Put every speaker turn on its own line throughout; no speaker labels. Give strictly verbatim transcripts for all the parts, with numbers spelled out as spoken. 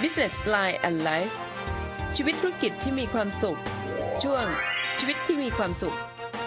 Business Line and Life ชีวิตธุรกิจที่มีความสุขช่วงชีวิตที่มีความสุข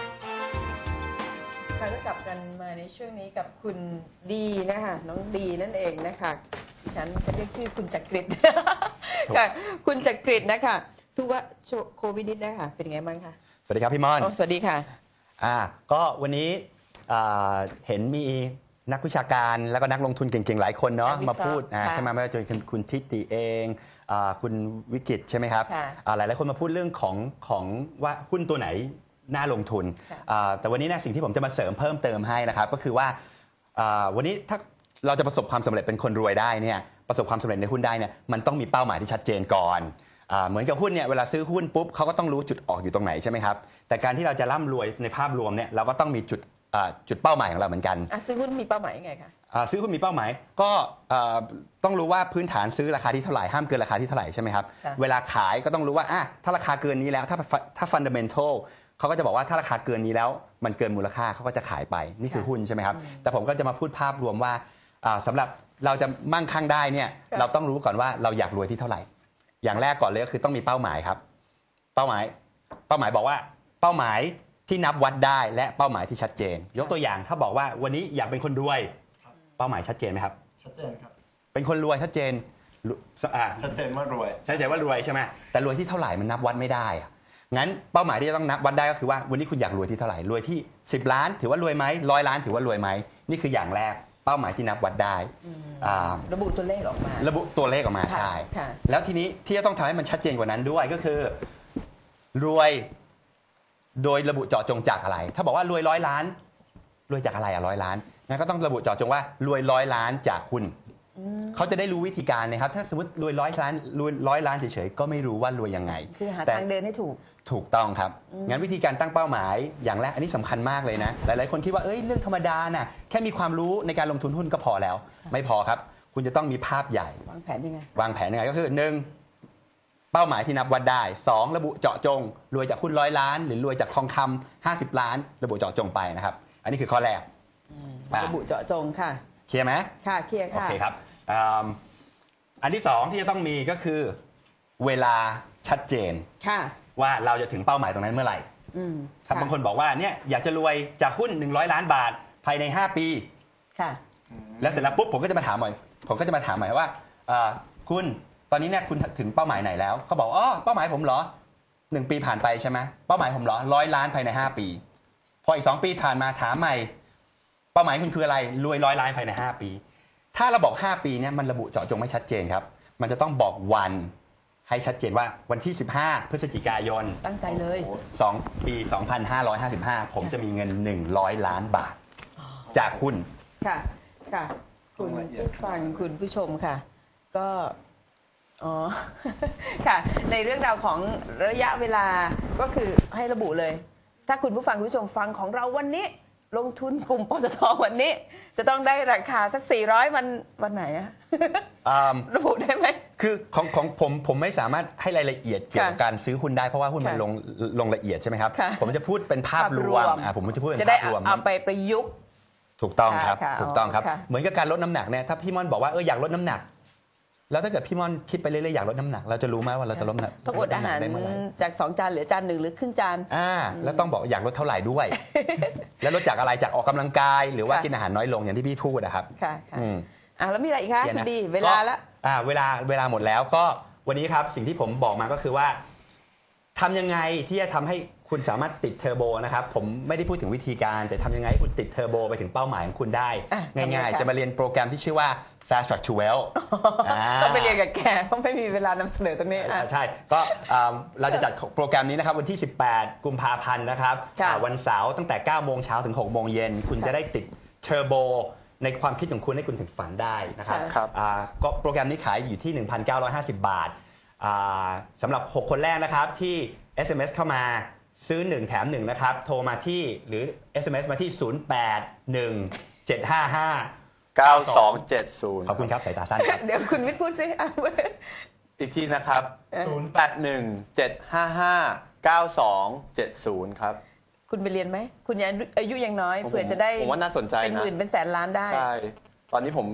ค่ะก็กลับกันมาในช่วงนี้กับคุณดีนะคะน้องดีนั่นเองนะคะดิฉันจะเรียกชื่อคุณจักริดค่ะคุณจักริดนะคะทุกว่าโควิดนิดนะคะเป็นไงบ้างคะ
สวัสดีครับพี่ม่อน
สวัสดีค่ะ
อ่าก็วันนี้เห็นมีนักวิชาการแล้วก็นักลงทุนเก่งๆหลายคนเนาะมาพูดใช่ไหมไม่ว่าจะเป็นคุณทิติเองคุณวิกิตใช่ไหมครับหลายหลายคนมาพูดเรื่องของของว่าหุ้นตัวไหนน่าลงทุนแต่วันนี้นะสิ่งที่ผมจะมาเสริมเพิ่มเติมให้นะครับก็คือว่าวันนี้ถ้าเราจะประสบความสำเร็จเป็นคนรวยได้เนี่ยประสบความสำเร็จในหุ้นได้เนี่ยมันต้องมีเป้าหมายที่ชัดเจนก่อนเหมือนกับหุ้นเนี่ยเวลาซื้อหุ้นปุ๊บเขาก็ต้องรู้จุดออกอยู่ตรงไหนใช่ไหมครับแต่การที่เราจะร่ำรวยในภาพรวมเนี่ยเราก็ต้องมีจุดจุดเป้าหมายของเราเหมือนกัน
ซื้อหุ้นมีเป้าหมายยังไงคะ
ซื้อหุ้นมีเป้าหมายก็ต้องรู้ว่าพื้นฐานซื้อราคาที่เท่าไหร่ห้ามเกินราคาที่เท่าไหร่ใช่ไหมครับเวลาขายก็ต้องรู้ว่าถ้าราคาเกินนี้แล้วถ้าถ้า fundamental เขาก็จะบอกว่าถ้าราคาเกินนี้แล้วมันเกินมูลค่าเขาก็จะขายไปนี่คือหุ้นใช่ไหมครับแต่ผมก็จะมาพูดภาพรวมว่าสำหรับเราจะมั่งคั่งได้เนี่ยเราต้องรู้ก่อนว่าเราอยากรวยที่เท่าไหร่อย่างแรกก่อนเลยก็คือต้องมีเป้าหมายครับเป้าหมายเป้าหมายบอกว่าเป้าหมายที่นับวัดได้และเป้าหมายที่ชัดเจนยกตัวอย่างถ้าบอกว่าวันนี้อยากเป็นคนรวยเป้าหมายชัดเจนไหมครับ
ชัดเจนครับ
เป็นคนรวยชัดเจน
ชัดเจนว่ารวย
ชัดเจนว่ารวยใช่ไหมแต่รวยที่เท่าไหร่มันนับวัดไม่ได้งั้นเป้าหมายที่จะต้องนับวัดได้ก็คือว่าวันนี้คุณอยากรวยที่เท่าไหร่รวยที่สิบล้านถือว่ารวยไหมร้อยล้านถือว่ารวยไหมนี่คืออย่างแรกเป้าหมายที่นับวัดได้
ระบุตัวเลขออกมา
ระบุตัวเลขออกมาใช่แล้วทีนี้ที่จะต้องทำให้มันชัดเจนกว่านั้นด้วยก็คือรวยโดยระบุเจาะจงจากอะไรถ้าบอกว่ารวยร้อยล้านรวยจากอะไรอะร้อยล้านงั้นก็ต้องระบุเจาะจงว่ารวยร้อยล้านจากหุ้นเขาจะได้รู้วิธีการนะครับถ้าสมมติรวยร้อยล้านรวยร้อยล้านเฉยๆก็ไม่รู้ว่ารวยยังไง
คือหาทางเดินให้ถูก
ถูกต้องครับงั้นวิธีการตั้งเป้าหมายอย่างแรกอันนี้สำคัญมากเลยนะหลายๆคนคิดว่าเอ้ยเรื่องธรรมดาน่ะแค่มีความรู้ในการลงทุนหุ้นก็พอแล้วไม่พอครับคุณจะต้องมีภาพใหญ่
วางแผนยังไง
วางแผนยังไงก็คือหนึ่งเป้าหมายที่นับวัดได้สองระบุเจาะจงรวยจากหุ้นร้อยล้านหรือรวยจากทองคำห้าสิบล้านระบุเจาะจงไปนะครับอันนี้คือข้อแรก
ระบุเจาะจงค่ะ
เคลียร์ไหม
ค่ะเคลียร์ค่ะ
โอเคครับอันที่สองที่จะต้องมีก็คือเวลาชัดเจนว่าเราจะถึงเป้าหมายตรงนั้นเมื่อไหร่ถ้าบางคนบอกว่าเนี่ยอยากจะรวยจากหุ้นหนึ่งร้อยล้านบาทภายในห้าปี
ค่ะ
แล้วเสร็จแล้วปุ๊บผมก็จะมาถามหน่อยผมก็จะมาถามหน่อยว่าคุณตอนนี้เนี่ยคุณถึงเป้าหมายไหนแล้วเขาบอกอ๋อเป้าหมายผมเหรอหนึ่งปีผ่านไปใช่ไหมเป้าหมายผมเหรอร้อยล้านภายในห้าปีพออีกสองปีผ่านมาถามใหม่เป้าหมายคุณคืออะไรรวยร้อยล้านภายในห้าปีถ้าเราบอกห้าปีเนี่ยมันระบุเจาะจงไม่ชัดเจนครับมันจะต้องบอกวันให้ชัดเจนว่าวันที่สิบห้าพฤศจิกายน
ตั้งใจเลย
สองปีสองพันห้าร้อยห้าสิบห้าผมจะมีเงินหนึ่งร้อยล้านบาทจากหุ้น
ค่ะค่ะคุณผู้ฟังคุณผู้ชมค่ะก็อ๋อค่ะในเรื่องราวของระยะเวลาก็คือให้ระบุเลยถ้าคุณผู้ฟังคุณผู้ชมฟังของเราวันนี้ลงทุนกลุ่มปตท.วันนี้จะต้องได้ราคาสักสี่ร้อยวันวันไหนอะระบุได้ไหม
คือของของผมผมไม่สามารถให้รายละเอียดเกี่ยวกับการซื้อหุ้นได้เพราะว่าหุ้นมันลงลงละเอียดใช่ไหมครับผมจะพูดเป็นภาพรวมผมจะพูดเป็นภาพรวม
จะได้เอาไปประยุกต์
ถูกต้องครับถูกต้องครับเหมือนกับการลดน้ำหนักเนี่ยถ้าพี่ม่อนบอกว่าเอออยากลดน้ำหนักแล้วถ้าเกิดพี่ม่อนคิดไปเรื่อยๆอยากลดน้ำหนักเราจะรู้ไหมว่าเราจะลดน้ำหนัก
ต้องอดอาหารจากสองจานเหลือจานหนึ่งหรือครึ่งจาน
อ่าแล้วต้องบอกอยากลดเท่าไหร่ด้วยแล้วลดจากอะไรจากออกกำลังกายหรือว่ากินอาหารน้อยลงอย่างที่พี่พูดนะครับ
ค่ะอ่าแล้วมีอะไรอีกคะดีเวลาละ
อ่าเวลาเวลาหมดแล้วก็วันนี้ครับสิ่งที่ผมบอกมาก็คือว่าทำยังไงที่จะทำให้คุณสามารถติดเทอร์โบนะครับผมไม่ได้พูดถึงวิธีการแต่ทำยังไงให้คุณติดเทอร์โบไปถึงเป้าหมายของคุณได้ง่ายๆจะมาเรียนโปรแกรมที่ชื่อว่า Fast Track to Wealth
ต้องไปเรียนกับแกเพราะไม่มีเวลานำเสนอตรงนี้
ใช่ก็เราจะจัดโปรแกรมนี้นะครับวันที่สิบแปดกุมภาพันธ์นะครับวันเสาร์ตั้งแต่เก้าโมงเช้าถึงหกโมงเย็นคุณจะได้ติดเทอร์โบในความคิดของคุณให้คุณถึงฝันได้นะครับก็โปรแกรมนี้ขายอยู่ที่ หนึ่งพันเก้าร้อยห้าสิบ บาทสำหรับหกคนแรกนะครับที่ เอส เอ็ม เอส เข้ามาซื้อหนึ่งแถมหนึ่งนะครับโทรมาที่หรือ เอส เอ็ม เอส มาที่ศูนย์แปดหนึ่งเจ็ดห้าห้า
เก้าสองเจ็ดศูนย์
ขอบคุณครับสายตาสั้นครับ
เดี๋ยวคุณวิทย์พูดสิ
อีกทีนะครับศูนย์แปดหนึ่งเจ็ดห้าห้าเก้าสองเจ็ดศูนย์ครับ
คุณไปเรียนไหมคุณยังอายุยังน้อยเผื่อจะได้
ผมว่าน่าสนใจนะ
เป็นหมื่นเป็นแสนล้านได้
ใช่ตอนนี้ผม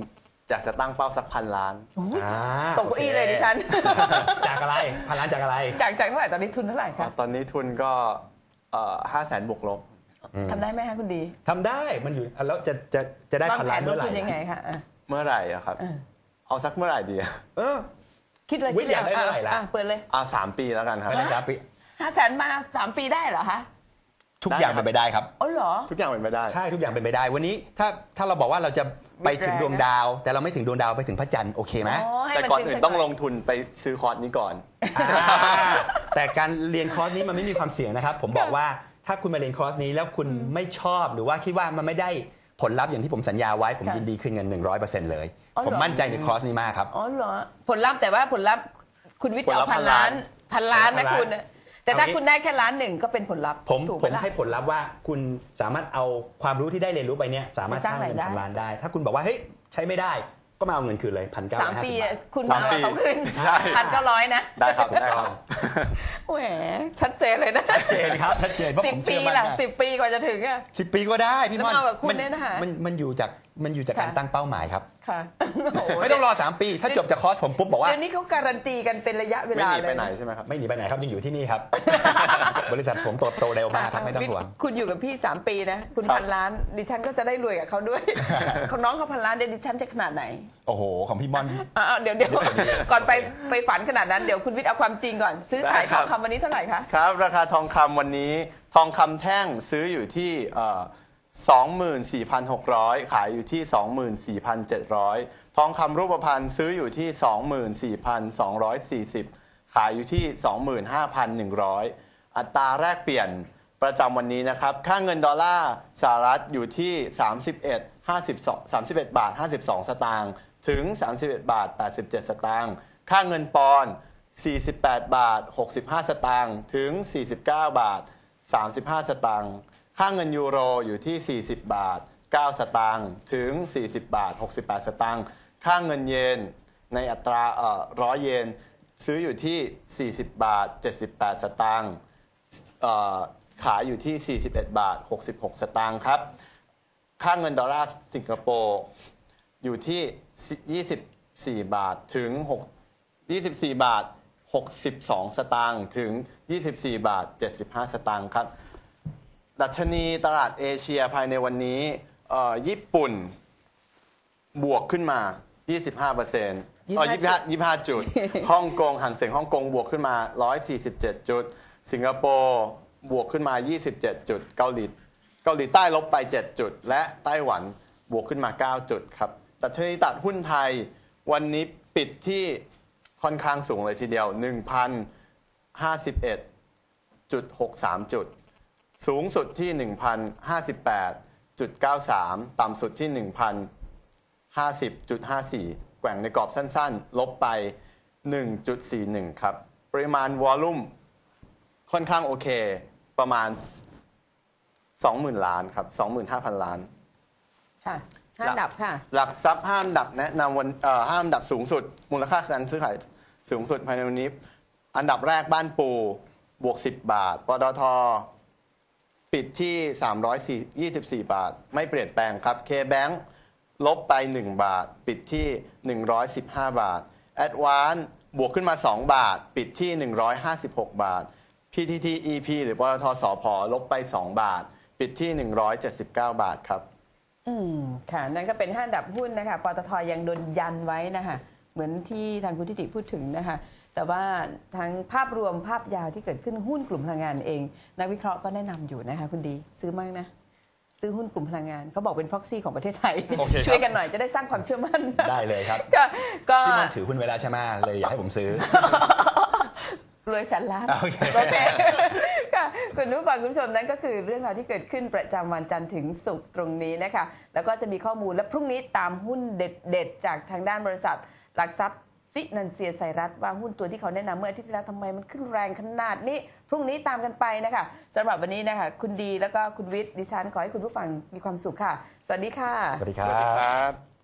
อยากจะตั้งเป้าสักพันล้าน
อ่า
ตกเก้าอี้เลยดิฉัน
จากอะไรพันล้านจากอะไร
จากจากเท่าไหร่ตอนนี้ทุนเท่าไหร่คะ
ตอนนี้ทุนก็ห้าแสนบวกลบ
ทำได้ไหมคะคุณดี
ทำได้มันอยู่แล้วจะจะจะได้
วาง
พัน
แผ
ล้าน
นล
เมื่
ง
อไหร่
ทุนยังไงคะอ่ะ
เมื่อไหร่อะครับ
เออ
เอาสักเมื่อไหร่ดีอะ
เออ
คิดเลย
วิ
คิ
ท
ด
ย์อยากได้เท่าไหร่ล่ะ
อ่เปิดเลย
อ่าสามปีแล้วกันครับ
ภายในสามปี
ห้าแสนมาสามปีได้เหรอคะ
ทุกอย่างเป็นไปได้ครับ
อ๋อเหรอ
ทุกอย่างเป็นไปได้
ใช่ทุกอย่างเป็นไปได้วันนี้ถ้าถ้าเราบอกว่าเราจะไปถึง
วิทย์แรงนะ
ดวงดาว แต่เราไม่ถึงดวงดาวไปถึงพระจันทร์โอเคไหม
อ๋อให้
แต่
มัน
ก่อน
จริ
อื่น
สั
ต้องล
หย
งทุนไปซื้อคอร์สนี้ก่อน
อ่าแต่การเรียนคอร์สนี้มันไม่มีความเสี่ยงนะครับ ผมบอกว่าถ้าคุณมาเรียนคอร์สนี้แล้วคุณไม่ชอบหรือว่าคิดว่ามันไม่ได้ผลลัพธ์อย่างที่ผมสัญญาไว้ผม
ค่ะ
ยินดีคืนเงิน หนึ่งร้อยเปอร์เซ็นต์ เลย
อ๋อเหรอ
ผมมั่นใจในคอร์สนี้มากครับ
อ๋อเหรอผลลัพธ์แต่ว่าผลลัพธ์คุณวิทย์จะเอา
ผลลัพธ์
พันล้านพันล้านนะ
พันล้าน
คุณแต่ถ้า
เอางี้
คุณได้แค่ล้านหนึ่งก็เป็นผลลัพธ์
ผม
ถูก
ผ
ไหม
ม
ล่ะ
ให้ผลลัพธ์ว่าคุณสามารถเอาความรู้ที่ได้เรียนรู้ไปเนี่ยสามารถ
ไป
ส
ส
ร้า
ร้าง ง
เงิน
รายได้
พันล้านได้ ถ้าคุณบอกว่าเฮ้ยใช้ไม่ได้ก็มาเอาเงินคืนเลยพันเก้า
สาม
ร้อยห้า
ปี
สิบบา
อะ
ท
คุณ
สาม
มา
ปี
เอาเขาขึ้น
ใช่
พันเก้าร้อยนะ
ได้ครับได้ครับ
แหมชัดเจนเลยนะ
ชัดเจนครับชัดเจนเพราะ
สิ
ผ
บ
ม
ปี
เชื่อมั่น
ล่ะ
ว่า
สิบปีกว่าจะถึงอะ
สิบปีก็ได้พี่ม่อน
แล้วมากับคุณ
มั
เนี่ยนะคะ
มันมันอยู่จากมันอยู่จากการ
ค่ะ
ตั้งเป้าหมายครับ
ค่ะโอ้โห
ไม่ต้องรอสามปี ถ้าจบจากคอร์สผมปุ๊บบอกว่า
เดี๋ยวนี้เขาการันตีกันเป็นระยะเว
ไม่
ลา
หนี
เล
ไป
ย
ไหนใช่ไหมครับ
ไม่หนีไปไหนครับยังอยู่ที่นี่ครับ บริษัทผมโตโตเร็วมากครับไม่ต้องห่วง
คุณอยู่กับพี่สามปีนะ คุณ
ครับ
พันล้าน ดิฉันก็จะได้รวยกับเขาด้วย ของน้องเขาพันล้านเดี๋ยวดิฉันจะขนาดไหน
โอ้โห ของพี่ม่อน
อ่าเดี๋ยวเดี๋ยวก่อนไปไปฝันขนาดนั้นเดี๋ยวคุณวิทย์เอาความจริงก่อน ซื้อขายทองคำวันนี้เท่าไหร่คะ
ครับ ราคาทองคำวันนี้ทองคำแท่งซื้ออยู่ที่สองหมื่นสี่พันหกร้อยขายอยู่ที่ สองหมื่นสี่พันเจ็ดร้อย ทองคำรูปพรรณซื้ออยู่ที่ สองหมื่นสี่พันสองร้อยสี่สิบ ขายอยู่ที่ สองหมื่นห้าพันหนึ่งร้อย อัตราแรกเปลี่ยนประจำวันนี้นะครับ ค่าเงินดอลลาร์สหรัฐอยู่ที่ สามสิบเอ็ด ห้าสิบสอง สามสิบเอ็ดบาทห้าสิบสองสตางค์ถึง สามสิบเอ็ดบาทแปดสิบเจ็ดสตางค์ค่าเงินปอนด์สี่สิบแปดบาทหกสิบห้าสตางค์ถึง สี่สิบเก้าบาทสามสิบห้าสตางค์ค่าเงินยูโรอยู่ที่ สี่สิบบาทเก้าสตางค์ถึง สี่สิบบาทหกสิบแปดสตางค์ค่าเงินเยนในอัตราเอ่อร้อยเยนซื้ออยู่ที่ สี่สิบบาทเจ็ดสิบแปดสตางค์เอ่อขายอยู่ที่ สี่สิบเอ็ดบาทหกสิบหกสตางค์ครับค่าเงินดอลลาร์สิงคโปร์อยู่ที่ ยี่สิบสี่บาทถึง6 ยี่สิบสี่บาทหกสิบสองสตางค์ถึง ยี่สิบสี่บาทเจ็ดสิบห้าสตางค์ครับดัชนีตลาดเอเชียภายในวันนี้เอ่อญี่ปุ่นบวกขึ้นมา ยี่สิบห้าเปอร์เซ็นต์
ยี่สิ
อ๋
บ
อ
ห้า
ยี่สิบห้า ยี่สิบห้าจุด ฮ่องกงหันเสียงฮ่องกงบวกขึ้นมา หนึ่งร้อยสี่สิบเจ็ดจุด สิงคโปร์บวกขึ้นมา ยี่สิบเจ็ดจุด เกาหลีเกาหลีใต้ลบไปเจ็ดจุดและไต้หวันบวกขึ้นมาเก้าจุดครับดัชนีตลาดหุ้นไทยวันนี้ปิดที่ค่อนข้างสูงเลยทีเดียว หนึ่งพันห้าสิบเอ็ดจุดหกสาม จุดสูงสุดที่ หนึ่งพันห้าสิบแปดจุดเก้าสาม ต่ำสุดที่ หนึ่งพันห้าสิบจุดห้าสี่ แกว่งในกรอบสั้นๆ ลบไป หนึ่งจุดสี่หนึ่ง ครับ ปริมาณวอลลุ่มค่อนข้างโอเคประมาณ สองหมื่น ล้านครับ สองหมื่นห้าพัน ล้าน
ค่ะห้าอันดับค่ะ
หลักทรัพย์ห้าอันดับแนะนำวันเอ่อห้าอันดับสูงสุด มูลค่าการซื้อขายสูงสุดภายในวันนี้ อันดับแรกบ้านปูบวกสิบบาทปตทปิดที่สามร้อยยี่สิบสี่บาทไม่เปลี่ยนแปลงครับ K-Bank ลบไปหนึ่งบาทปิดที่หนึ่งร้อยสิบห้าบาท Advance บวกขึ้นมาสองบาทปิดที่หนึ่งร้อยห้าสิบหกบาท พี ที ที อี พี หรือปตทสผลบไปสองบาทปิดที่หนึ่งร้อยเจ็ดสิบเก้าบาทครับ
อืมค่ะนั่นก็เป็นห้าอันดับหุ้นนะคะปตทยังโดนยันไว้นะคะเหมือนที่ทางคุณทิติพูดถึงนะคะแต่ว่าทั้งภาพรวมภาพยาวที่เกิดขึ้นหุ้นกลุ่มพลังงานเอง นักวิเคราะห์ก็แนะนำอยู่นะคะคุณดีซื้อมากนะซื้อหุ้นกลุ่มพลังงานเขาบอกเป็น proxy ของประเทศไทย
โอเคครับ
ช่วยกันหน่อยจะได้สร้างความเชื่อมั่น
ได้เลยครับ
ก็ก็
พี่ม่อนถือหุ้นไว้แล้วใช่ไหมเลยอยากให้ผมซื้อ
รวยแสนล้าน
โอเค
โอเคค่ะคุณผู้ฟังคุณผู้ชมนั่นก็คือเรื่องราวที่เกิดขึ้นประจำวันจันทร์ถึงศุกร์ตรงนี้นะคะแล้วก็จะมีข้อมูลและพรุ่งนี้ตามหุ้นเด็ดๆจากทางด้านบริษัทหลักทรัพย์ฟินันเซียไซรัสว่าหุ้นตัวที่เขาแนะนำเมื่ออาทิตย์ที่แล้วทำไมมันขึ้นแรงขนาดนี้พรุ่งนี้ตามกันไปนะคะสำหรับวันนี้นะคะคุณดีแล้วก็คุณวิทย์ดิฉันขอให้คุณผู้ฟังมีความสุขค่ะสวัสดีค่ะ
สวัสดีค
ส
รั
วัสดี
บ
ครับ